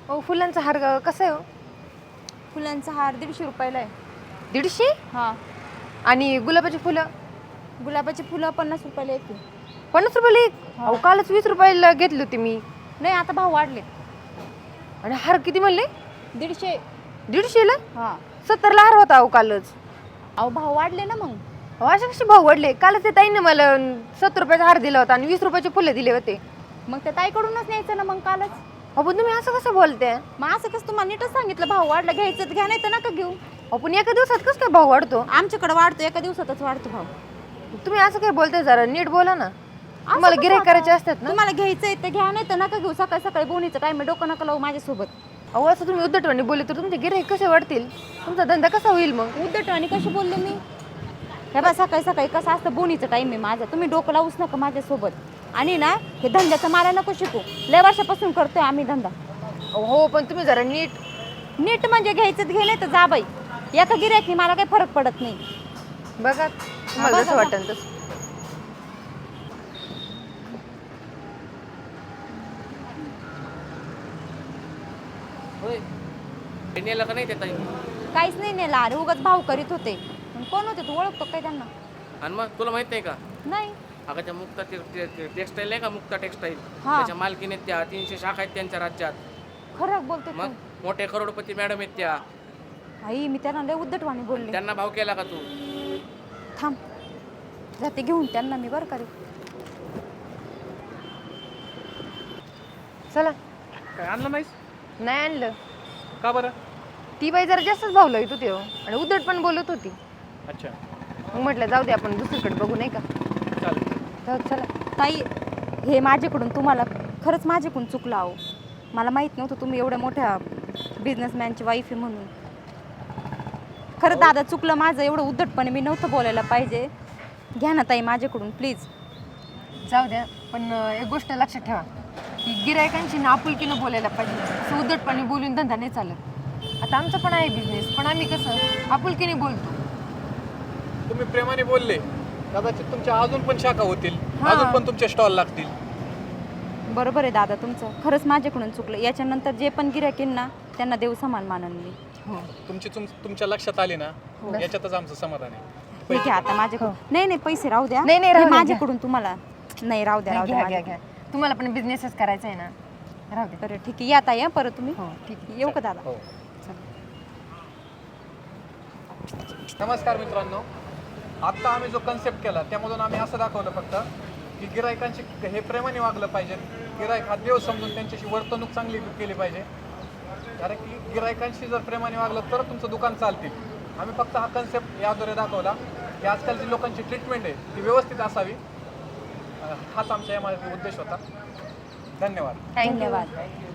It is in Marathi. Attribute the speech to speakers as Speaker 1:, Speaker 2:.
Speaker 1: हो फुलांचा हार कसा आहे हो?
Speaker 2: फुलांचा हार 150 रुपयाला आहे.
Speaker 1: 150.
Speaker 2: हां.
Speaker 1: आणि गुलाबाची फुलं
Speaker 2: गुलाबाची फुलं 50 रुपयाला येते.
Speaker 1: 50 रुपयाला एक.
Speaker 2: हा.
Speaker 1: अहो कालच 20 रुपयाला घेतली होती मी.
Speaker 2: नाही आता भाव वाढले.
Speaker 1: आणि हार किती म्हणले?
Speaker 2: 150.
Speaker 1: 150 ला.
Speaker 2: हां.
Speaker 1: 70 ला हार होता अहो कालच.
Speaker 2: अहो भाव वाढले ना मग.
Speaker 1: अहो असे कसे भाव वाढले? कालच ते ताईने मला 70 रुपयाचा हार दिला होता आणि 20 रुपयाचे फुलं दिले होते.
Speaker 2: मग त्या ताईकडूनच न्यायचं ना मग कालच.
Speaker 1: अहो पण तुम्ही असं कसं बोलते?
Speaker 2: मग असं कसं तुम्हाला नीटच सांगितलं भाव वाढला घ्यायचं तर घ्या नाही तर नका घेऊ.
Speaker 1: अहो पण एका दिवसात कसं काय भाव वाढतो?
Speaker 2: आमच्याकडे वाढतो एका दिवसातच वाढतो भाव.
Speaker 1: तुम्ही असं काय बोलताय? जरा नीट बोला ना.
Speaker 2: असं
Speaker 1: तुम्हाला
Speaker 2: कसं
Speaker 1: गिऱ्हाईक
Speaker 2: आता?
Speaker 1: करायचे असतात ना.
Speaker 2: तुम्हाला घ्यायचंय तर घ्या नाही तर नका घेऊ. सकाळी सकाळी बोनीचं काय मी डोकं नका लावू माझ्यासोबत.
Speaker 1: अहो असं तुम्ही उद्धटवाणी बोलले तर तुमचे गिऱ्हाईक कसे वाढतील? तुमचा धंदा कसा होईल मग?
Speaker 2: उद्धट आणि कशी बोलले मी? हे बा सकाळी सकाळी कसं असतं बोनीचं टाईम आहे माझा. तुम्ही डोकं लावूच नका माझ्यासोबत. आणि ना हे धंद्याचं मला नको शिकू. लय वर्षापासून करतोय आम्ही धंदा.
Speaker 1: हो पण तुम्ही जरा नीट.
Speaker 2: नीट म्हणजे घ्यायचं तर घे नाही तर जा बाई. एका गिऱ्हाईकनी मला काही फरक पडत नाही.
Speaker 1: बघा तुम्हाला
Speaker 2: बघा,
Speaker 1: जसं
Speaker 2: बघा.
Speaker 1: वाटेल तसं.
Speaker 3: होय नेलं का नाही ते ताई?
Speaker 2: काहीच नाही नेला अरे उगाच भाव करीत होते. पण कोण होते तू ओळखतो काय त्यांना?
Speaker 3: आणि मग तुला माहित नाही का
Speaker 2: नाही.
Speaker 3: अगं त्या मुक्ता टेक्सटाईल नाही का मुक्ता टेक्सटाईल
Speaker 2: हा.
Speaker 3: त्याच्या मालकीने त्या 300 शाखा आहेत त्यांच्या राज्यात.
Speaker 2: खरं बोलतो
Speaker 3: मग
Speaker 2: तू.
Speaker 3: मोठे करोडपती मॅडम आहेत त्या.
Speaker 2: आई मी त्यांना लय उद्धटवाणी बोलले.
Speaker 3: त्यांना भाव केला का तू?
Speaker 2: थांब जाते घेऊन त्यांना मी बरं करेल.
Speaker 1: चला.
Speaker 4: काय आणलं नाहीस?
Speaker 1: नाही आणलं.
Speaker 4: का बरं?
Speaker 1: ती बाई जरा जास्तच भाव लावत होती हो. आणि उद्धट पण बोलत होती.
Speaker 4: अच्छा
Speaker 1: मग म्हटलं जाऊ दे आपण दुसरीकडे बघू नाही का.
Speaker 4: चालेल.
Speaker 1: जाऊ चला.
Speaker 2: ताई हे माझ्याकडून तुम्हाला खरंच माझ्याकडून चुकलं आहो. मला माहीत नव्हतं तुम्ही एवढ्या मोठ्या बिझनेसमॅनची वाईफ आहे म्हणून. खरं दादा चुकलं माझं. एवढं उद्धटपणे मी नव्हतं बोलायला पाहिजे. घ्या ना ताई माझ्याकडून प्लीज.
Speaker 1: जाऊ द्या पण एक गोष्ट लक्षात ठेवा की गिरायकांशी ना आपुलकीनं बोलायला पाहिजे. असं उद्धटपणे बोलून धंदा नाही चालत. आता आमचं पण आहे बिझनेस पण आम्ही कसं आपुलकीने बोलतो.
Speaker 4: तुम्ही प्रेमाने बोलले कदाचित तुमच्या अजून पण शाखा होतील.
Speaker 1: हा.
Speaker 4: अजून पण तुमचे स्टॉल लागतील.
Speaker 2: बरोबर आहे दादा तुमचं. खरंच माझ्याकडून चुकलं. याच्यानंतर जे पण गिऱ्हाईक येईल ना त्यांना देव समान मानन मी.
Speaker 1: हो
Speaker 4: तुमच्या लक्षात आले ना याच्यातच आमचं समाधान आहे.
Speaker 2: ठीक आहे आता माझ्याकडून. नाही नाही पैसे राहू द्या.
Speaker 1: नाही, नाही,
Speaker 2: हे
Speaker 1: राहू द्या,
Speaker 2: माझ्याकडून तुम्हाला. नाही राहू द्या राहू द्या
Speaker 1: घ्या घ्या
Speaker 2: माझ्याकडून.
Speaker 1: घ्या. तुम्हाला पण बिझनेसच करायचा आहे ना. राहू दे.
Speaker 2: बरं ठीक आहे या ताई हं, परत तुम्ही.
Speaker 1: हो ठीक आहे.
Speaker 2: येऊ का दादा?
Speaker 4: हो. नमस्कार मित्रांनो. आत्ता आम्ही जो कन्सेप्ट केला त्यामधून आम्ही असं दाखवलं फक्त की गिरायकांशी हे प्रेमाने वागलं पाहिजे. गिरायक हा देव समजून त्यांच्याशी वर्तणूक चांगली केली पाहिजे. कारण की गिरायकांशी जर प्रेमाने वागलं तर तुमचं दुकान चालतील. आम्ही फक्त हा कन्सेप्ट याद्वारे दाखवला की आजकालची लोकांची ट्रीटमेंट आहे ती व्यवस्थित असावी. हाच आमच्या यामागे उद्देश होता. धन्यवाद.
Speaker 1: Thank you.
Speaker 2: धन्यवाद.